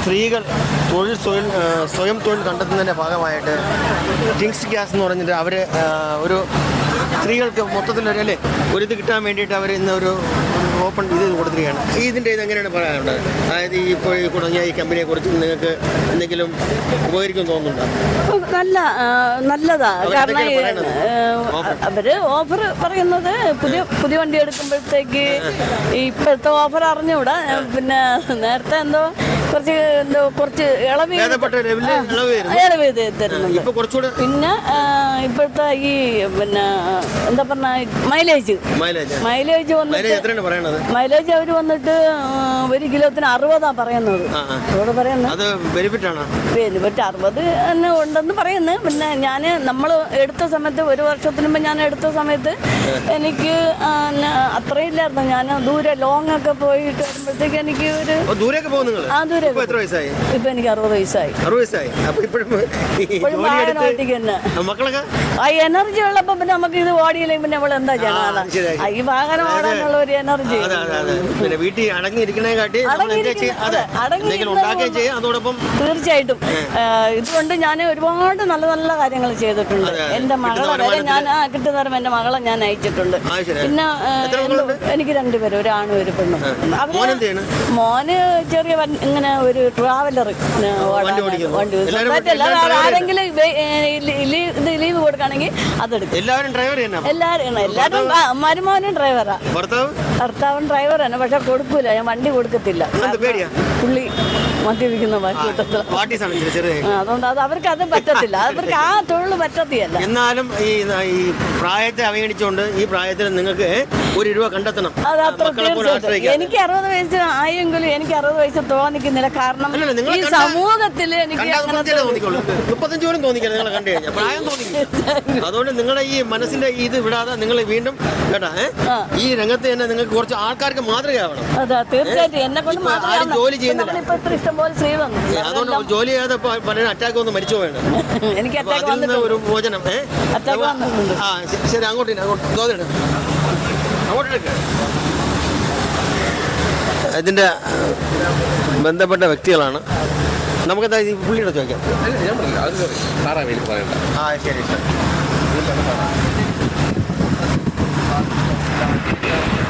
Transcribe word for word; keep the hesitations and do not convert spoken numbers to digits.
സ്ത്രീകൾ തൊഴിൽ സ്വയം സ്വയം തൊഴിൽ കണ്ടെത്തുന്നതിൻ്റെ ഭാഗമായിട്ട് ടിങ്സ് ഗ്യാസ് എന്ന് പറഞ്ഞിട്ട് അവർ ഒരു സ്ത്രീകൾക്ക് മൊത്തത്തിലൊരു അല്ലേ ഒരു ഇത് കിട്ടാൻ വേണ്ടിയിട്ട് അവർ ഇന്ന് ഒരു ഓപ്പൺ ഇത് കൊടുത്തിരിക്കുകയാണ്. ഇതിൻ്റെ ഇത് എങ്ങനെയാണ് പറയാനുള്ളത്? അതായത് ഈ ഇപ്പോൾ ഈ തുടങ്ങിയ ഈ കമ്പനിയെ കുറിച്ച് നിങ്ങൾക്ക് എന്തെങ്കിലും ഉപകരിക്കും തോന്നുന്നുണ്ടോ? നല്ല നല്ലതാ. കാരണം അവര് ഓഫർ പറയുന്നത് പുതിയ പുതിയ വണ്ടി എടുക്കുമ്പോഴത്തേക്ക് ഇപ്പോഴത്തെ ഓഫർ അറിഞ്ഞുകൂടാ. പിന്നെ നേരത്തെ എന്തോ കുറച്ച് എന്തോ കുറച്ച് ഇളവ് ഇളവ് തരുന്നുണ്ട്. പിന്നെ ഇപ്പോഴത്തെ ഈ പിന്നെ എന്താ പറഞ്ഞ മൈലേജ് മൈലേജ് വന്നിട്ട് മൈലേജ് അവർ വന്നിട്ട് ഒരു കിലോത്തിന് അറുപതാ പറയുന്നത്. അതോട് പറയുന്നത് ബെനിഫിറ്റ് അറുപത് തന്നെ ഉണ്ടെന്ന് പറയുന്നു. പിന്നെ ഞാൻ നമ്മൾ എടുത്ത സമയത്ത് ഒരു വർഷത്തിന് മുമ്പ് ഞാൻ എടുത്ത സമയത്ത് എനിക്ക് അത്രയും ഇല്ലായിരുന്നു. ഞാൻ ദൂരെ ലോങ് ഒക്കെ പോയിട്ട് വരുമ്പോഴത്തേക്ക് എനിക്ക് ഒരു ആ ദൂരെ ഇപ്പൊ എനിക്ക് അറുപത് വയസ്സായി. ഇപ്പോഴും വാഹനം ഓട്ടിക്ക് തന്നെ ആ എനർജി ഉള്ളപ്പോ പിന്നെ നമുക്ക് ഇത് ഓടിയില്ലെങ്കിൽ പിന്നെ നമ്മൾ എന്താ ചെയ്യണം? ഈ വാഹനം ഓടാനുള്ള ഒരു എനർജി വീട്ടിൽ തീർച്ചയായിട്ടും. ഇതുകൊണ്ട് ഞാൻ ഒരുപാട് നല്ല നല്ല കാര്യങ്ങൾ ചെയ്തിട്ടുണ്ട്. എന്റെ മകളെ വരെ ഞാൻ കിട്ടുന്നവരും എന്റെ മകളെ ഞാൻ അയച്ചിട്ടുണ്ട്. പിന്നെ എനിക്ക് രണ്ടുപേരും, ഒരാണും ഒരു പെണ്ണും. അവര് മോന് ചെറിയ ഇങ്ങനെ ഒരു ട്രാവലർ വണ്ടി ആരെങ്കിലും ഇത് ലീവ് കൊടുക്കുകയാണെങ്കിൽ അതെടുക്കും. എല്ലാവരും എല്ലാവരും എല്ലാവരും മരുമോനും ഡ്രൈവറാ, ഭർത്താവൻ ഡ്രൈവർ തന്നെ. പക്ഷെ കൊടുക്കൂല, ഞാൻ വണ്ടി കൊടുക്കത്തില്ല. പുള്ളി മദ്യപിക്കുന്ന അതുകൊണ്ട് അത് അവർക്ക് അത് പറ്റത്തില്ല, അവർക്ക് ആ തൊഴിൽ പറ്റത്തില്ല. എന്നാലും ഈ ഈ പ്രായത്തെ അവഗണിച്ചുകൊണ്ട് ഈ പ്രായത്തിൽ നിങ്ങൾക്ക് ഒരു രൂപ കണ്ടെത്തണം. അത് അത്ര തീർച്ചയായിട്ടും. എനിക്ക് അറുപത് വയസ്സ് ആയെങ്കിലും എനിക്ക് അറുപത് വയസ്സ് തോന്നിക്കുന്നില്ല. കാരണം ഈ സമൂഹത്തിൽ എനിക്ക് മുപ്പത്തഞ്ച് പോലും തോന്നിക്കില്ല നിങ്ങളെ കണ്ടു കഴിഞ്ഞാൽ, പ്രായം തോന്നിക്കില്ല. അതുകൊണ്ട് നിങ്ങളുടെ ഈ മനസ്സിന്റെ ഇത് വിടാതെ നിങ്ങൾ വീണ്ടും കേട്ടാ ഈ രംഗത്ത് തന്നെ നിങ്ങൾക്ക് കുറച്ച് ആൾക്കാർക്ക് മാതൃകയാവണം. അതെ തീർച്ചയായിട്ടും. എന്നെ കൊണ്ട് ജോലി ചെയ്യുന്നില്ല, ഇഷ്ടംപോലെ സ്ത്രീ വന്നു. അതുകൊണ്ട് ജോലി ചെയ്യാതെ പലരും അറ്റാക്ക് വന്ന് മരിച്ചു പോയാണ്. എനിക്ക് ഒരു മോചനം. ആ ശരി, അങ്ങോട്ട് അങ്ങോട്ട് അങ്ങോട്ടെടുക്ക. ഇതിന്റെ ബന്ധപ്പെട്ട വ്യക്തികളാണ്. നമുക്കെന്താ ഈ പുള്ളിയുടെ ചോദിക്കാം. ആ ശരി ശരി.